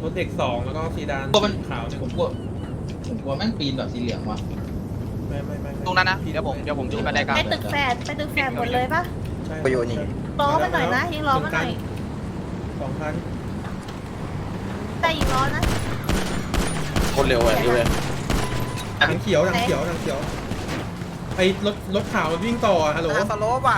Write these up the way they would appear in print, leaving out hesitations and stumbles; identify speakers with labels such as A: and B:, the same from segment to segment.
A: รถเด็ก2แล้วก็ซีดานขาวเนี่ย
B: ผมกลัวแม่งปีนแบบสีเหลืองว่ะ
A: ไม่
C: ตรงนั้นนะเดี๋ยวผมจะไปได้กลาง
D: ไปตึกแฝดหมดเลยปะ
A: ใช่
E: ไปอยู่นี่
D: ล้อมาหน่อยนะยิงล้อมาหน่อย
A: 2,000
D: แต่ยิงล้อนะ
E: คนเร็วอ่ะดูเลย
A: หนังเขียวไอ้รถขาววิ่งต่อฮัลโหล
C: สโลปว่ะ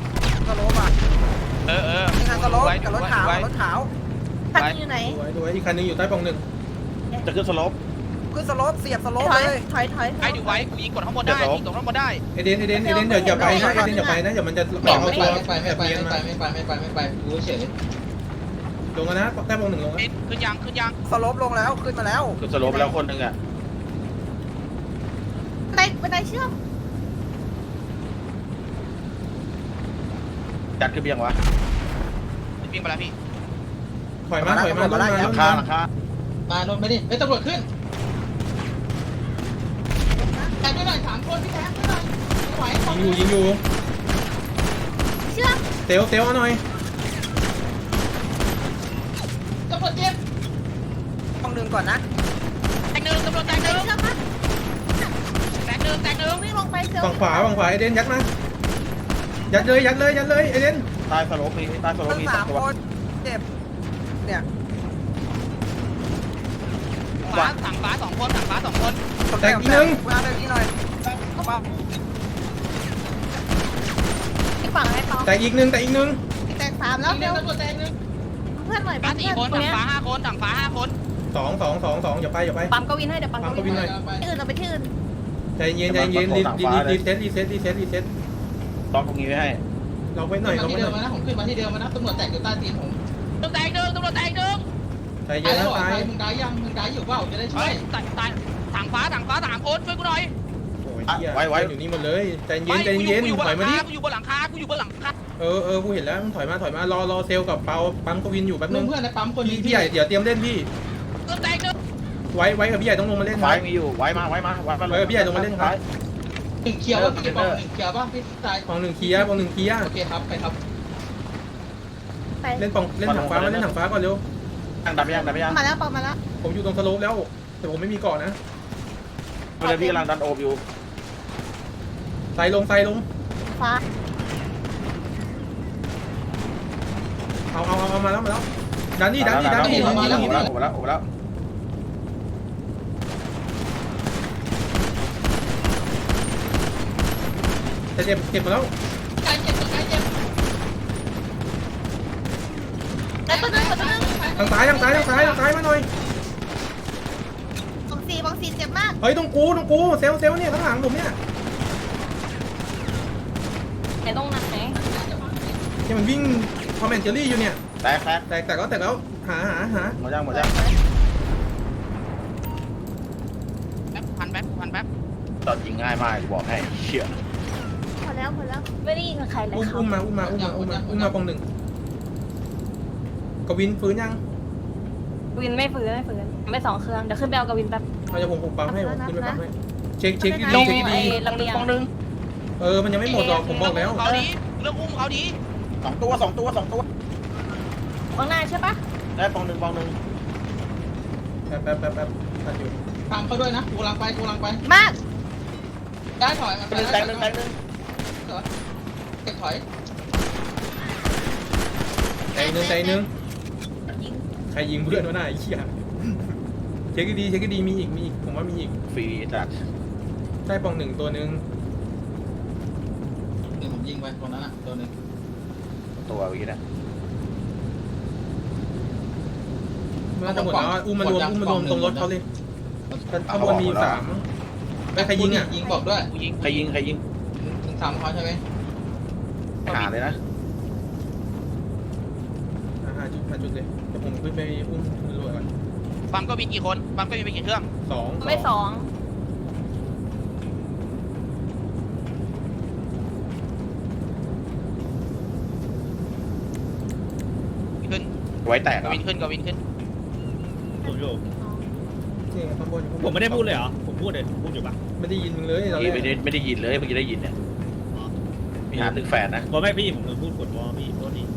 C: นี่งานสโลปกับรถขาว
D: คันยิงอยู่ไหน
A: ดูไว้อีกคันนึงอยู่ใต้ปล่องหนึ่ง
E: จะขึ้นสลบ
C: ขึ้นสโลปเสียบสโลป
D: ถอย
C: เลย
D: ถอย
C: ไอ้ดูไว้กูยิงกดข้างบนได้ยิงกดข้างบนได้
A: เอเดนเดี๋ยวอย่าไปนะเดี๋ยวมันจะ
B: ไม่ไปรู้เฉย
A: ลงแล้วนะใต้ปล่องหนึ่งลงแล้ว
C: ขึ้นยังสโลปลงแล้วขึ้นมาแล้ว
E: ขึ้นสลบแล้วคนหนึ่งอ่ะ
D: บันไดเชื่อม
E: จัดขึ้นยังวะ
C: วิ่งไปแล้วพี่
A: ถอยมา
E: หลังคา
B: มาโดนไปดิเฮ้ยตำรวจขึ้นแทงด้วยหน่อย3 คนพี่แทงด้วยหน่อยไหว
A: ยิงอยู่
D: เชื่อม
A: เซลเอาหน่อย
B: ตำรวจเจ็บ
C: ต้องดึงก่อนนะแตกหนึ่งตำรวจแตกหนึ่ง
D: เชื่อมปะ
C: แตกหนึ่ง
D: วิ่งลงไปเซล
A: ฝั่งขวาเอเดนยัดมายัดเลยเอเดน
E: ใต้สลบมีใต้สลบ
C: ทั้ง
E: มี
C: 3
E: ตัว
C: คนเจ็บเนี่ยสั่งฟ้า2 คน
A: แตกอีกหนึ่ง
C: มาเลยนี่หน่อย
D: อีกฝั่งให้เปา
A: แตกอีกหนึ่ง
D: แตก3แล้วเดี๋ยว
B: ตำรวจแทงนึง
D: เพื่อนหน่อย
C: ฟ้า4 คนสั่งฟ้า5 คน
A: 2อย่าไป
D: ปั๊มก็วินให้เดี๋ยวปั๊มก็วินให้ที่อื่นเราไปที่อื่น
A: ใจเย็นรีเซ็ต
E: ล็อกตรงนี้ไว้ให้
A: เราไว้หน่อย
B: มาที่เดิมนะผมขึ้นมาที่เดิมนะตำรวจแตกอยู่ใต้ตีนผม
C: ตำรวจแตกหนึ่ง
A: ใจเย็นนะตาย
B: มึงได้ยังมึงได้อยู่เปล่าจะได้ช่
C: เฮ้
B: วย
C: ยสั่งฟ้า3 คนช่วยกูหน่อย
A: โอ้ยไว้อยู่นี่หมดเลยใจเย็นถอยมาดิ
C: กูอยู่บนหลังคา
A: กูเห็นแล้วถอยมารอเซลกับเปาปั๊มกวินอยู่แป๊บนึง
B: เพื่อนในปั๊มคน
A: พี่ใหญ่เดี๋ยวเตรียมเล่นพี่
C: ตำรวจแตกหนึ่ง
A: ไว้กับพี่ใหญ่ต้องลงมาเล่น
E: ไว้มีอยู่ไว้มา
A: พี่ใหญ่ลงมาเล่นครับ
B: 1เคียวว่าพี่บอก1เคียวป่ะพี่ตาย
A: ปองหนึ่งเคลียร์
B: โอเคครับไปครับ
D: ไป
A: เล่นถังฟ้าก่อนเร็ว
E: ดับยัง
D: มาแล้วเปามาแล้ว
A: ผมอยู่ตรงสโลปแล้วแต่ผมไม่มีเกาะนะ
E: เดี๋ยวพี่กำลังดันโอบอยู่
A: ใส่ลง
D: ฟ้า
A: เอามาแล้วดันนี่
E: โอบแล้ว
A: แต่เจ็บมาแล้ว
B: ใกล้เจ็บใกล้เจ็บ
D: แล้วตัวนึง
A: ทางซ้ายมาหน่อย
D: บองซีเจ็บมาก
A: เฮ้ยตรงกูเซลเนี่ยข้างหลังผมเนี่ย
D: ไหนตรงไหน
A: ที่มันวิ่งคอมเมนเจอรี่อยู่เนี่ย
E: แตก
A: แต่แล้วหา
E: หมดยัง
C: พันแป๊บ
E: ตอนยิงง่ายมากบอกให้เชี่ย
D: พอแล้วไม่ได้ยินกับใครเลย
A: อุ้มมาปองหนึ่งกวินฟื้นยัง
F: วินไม่ฟื้นไม่2 เครื่องเดี๋ยวขึ้นไปเอากับวินแป๊บ
A: เราจะผมปั๊มให้ขึ้นไปปั๊มให้เช็คดี
F: ลงไอ้ลำเลียง
A: มันยังไม่หมดหรอกผมบอกแล้ว
C: เขาดีเรื่องอุ้มเขาดี
E: 2 ตัว
F: ข้างหน้าใช่ปะ
E: ได้ปองหนึ่ง
A: แป๊บทันอยู่
B: ตามเขาด้วยนะกูกำลังไป
D: มาก
B: ได้ถอยมันไป
E: แตกหนึ่ง
B: เก็บถอย
A: ใจนึงใครยิงเพื่อนวะน่าไอ้เหี้ยเช็คดีมีอีกผมว่ามีอีก
E: ฟรีจัด
A: ใต้ปองหนึ่งตัวนึง
B: ผมยิงไปตรงนั้นอ่ะตัวนึง
E: ตัวเมื่อกี้นะ
A: มันจะหมดแล้วอุ้มมันรวมตรงรถเขาเลยข้างบนมี3ใครยิงอ่ะ
B: ยิงบอกด้วย
C: กูยิง
E: ใครยิง
B: ถึง3เขาใช่ไหม
E: หาเลยนะ
A: หาจุดเลยเดี๋ยวผมขึ้นไปอุ้มตำรวจก่อน
C: ปั๊มก็มีกี่คนปั๊มก็มีไปกี่เครื่อง
A: 2
F: ไม่2
C: ขึ้น
E: ไว้แตก
C: กวินขึ้น
G: ผมอยู่
A: นี่ข้างบน
G: ผมไม่ได้พูดเลยเหรอ ผมพูดเลยผมพูดอยู่ปะ
A: ไม่ได้ยินมึงเลยเรา
E: ไม่ได้ยินเลยเมื่อกี้ได้ยินเนี่ยมีหาตึกแฝดนะ
G: บอกไม่พี่ผมพูดกดวอพี่โทษนี่